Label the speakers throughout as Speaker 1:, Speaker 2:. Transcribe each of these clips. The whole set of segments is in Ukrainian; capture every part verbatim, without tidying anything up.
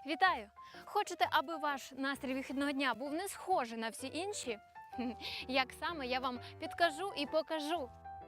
Speaker 1: Вітаю! Хочете, аби ваш настрій вихідного дня був не схожий на всі інші? Як саме, я вам підкажу і покажу.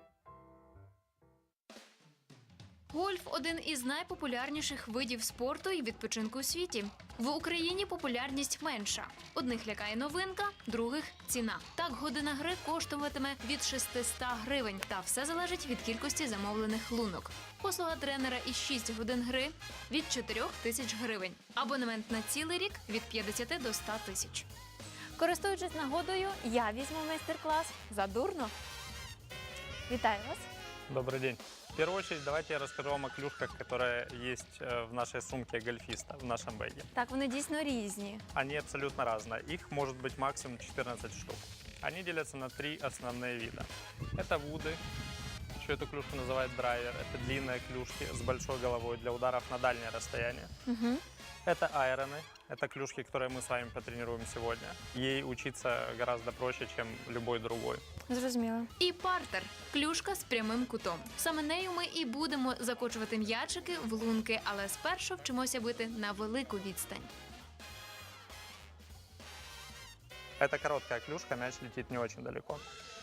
Speaker 1: Гольф – один із найпопулярніших видів спорту і відпочинку у світі. В Україні популярність менша. Одних лякає новинка, других – ціна. Так, година гри коштуватиме від шестисот гривень. Та все залежить від кількості замовлених лунок. Послуга тренера і шість годин гри – від чотирьох тисяч гривень. Абонемент на цілий рік – від п'ятдесяти до ста тисяч. Користуючись нагодою, я візьму майстер-клас задурно. Вітаю вас!
Speaker 2: Добрый день. В первую очередь, давайте я расскажу вам о клюшках, которые есть в нашей сумке гольфиста, в нашем бэге.
Speaker 1: Так, вони дійсно різні.
Speaker 2: Они абсолютно разные. Их может быть максимум четырнадцать штук. Они делятся на три основные вида. Это вуды, еще эту клюшку называют драйвер. Это длинные клюшки с большой головой для ударов на дальнее расстояние.
Speaker 1: Угу.
Speaker 2: Это айроны. Это клюшки, которые мы с вами потренируем сегодня. Ей учиться гораздо проще, чем любой другой.
Speaker 1: Зрозуміло. І партер – клюшка з прямим кутом. Саме нею ми і будемо закочувати м'ячики в лунки, але спершу вчимося бити на велику відстань.
Speaker 2: Это короткая клюшка, мяч летит не очень далеко.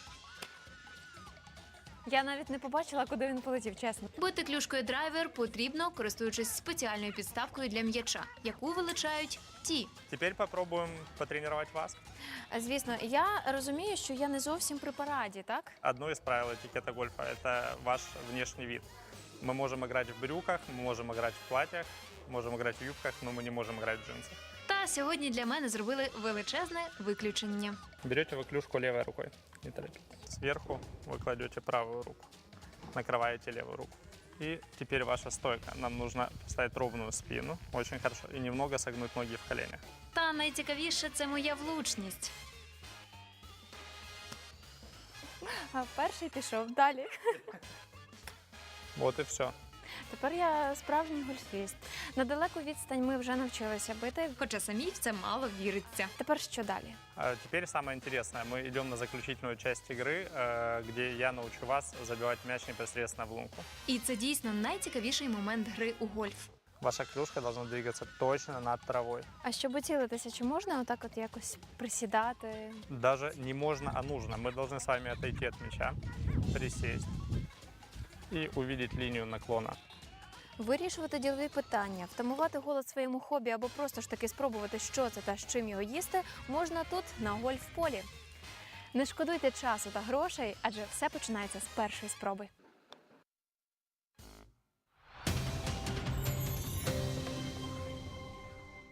Speaker 1: Я навіть не побачила, куди він полетів, чесно. Бити клюшкою драйвер потрібно, користуючись спеціальною підставкою для м'яча, яку величають ті.
Speaker 2: Теперь попробуем потренировать вас.
Speaker 1: Звісно, я розумію, що я не зовсім при параді, так?
Speaker 2: Одно из правил этикета гольфа – это ваш внешний вид. Мы можем играть в брюках, мы можем играть в платьях, можем играть в юбках, но мы не можем играть в джинсах.
Speaker 1: Та сьогодні для мене зробили величезне виключення.
Speaker 2: Берете вы клюшку левой рукой, не торопитесь. Сверху вы кладете правую руку, накрываете левую руку. И теперь ваша стойка. Нам нужно поставить ровную спину, очень хорошо, и немного согнуть ноги в коленях.
Speaker 1: Та найцікавіше – це моя влучність. А перший пішов далі.
Speaker 2: Вот и все.
Speaker 1: Тепер я справжній гольфіст. На далеку відстань ми вже навчилися бити, хоча самі в це мало віриться. Тепер що далі?
Speaker 2: А теперь самое интересное. Мы идем на заключительную часть игры, э, где я научу вас забивать мяч непосредственно в лунку.
Speaker 1: І це дійсно найцікавіший момент гри у гольф.
Speaker 2: Ваша клюшка должна двигаться точно над травой.
Speaker 1: А щоб цілитися, чи можна отак от якось присідати?
Speaker 2: Даже не можно, а нужно. Мы должны с вами отойти от мяча, присесть и увидеть линию наклона.
Speaker 1: Вирішувати ділові питання, втамувати голод своєму хобі або просто ж таки спробувати, що це та з чим його їсти, можна тут, на гольф-полі. Не шкодуйте часу та грошей, адже все починається з першої спроби.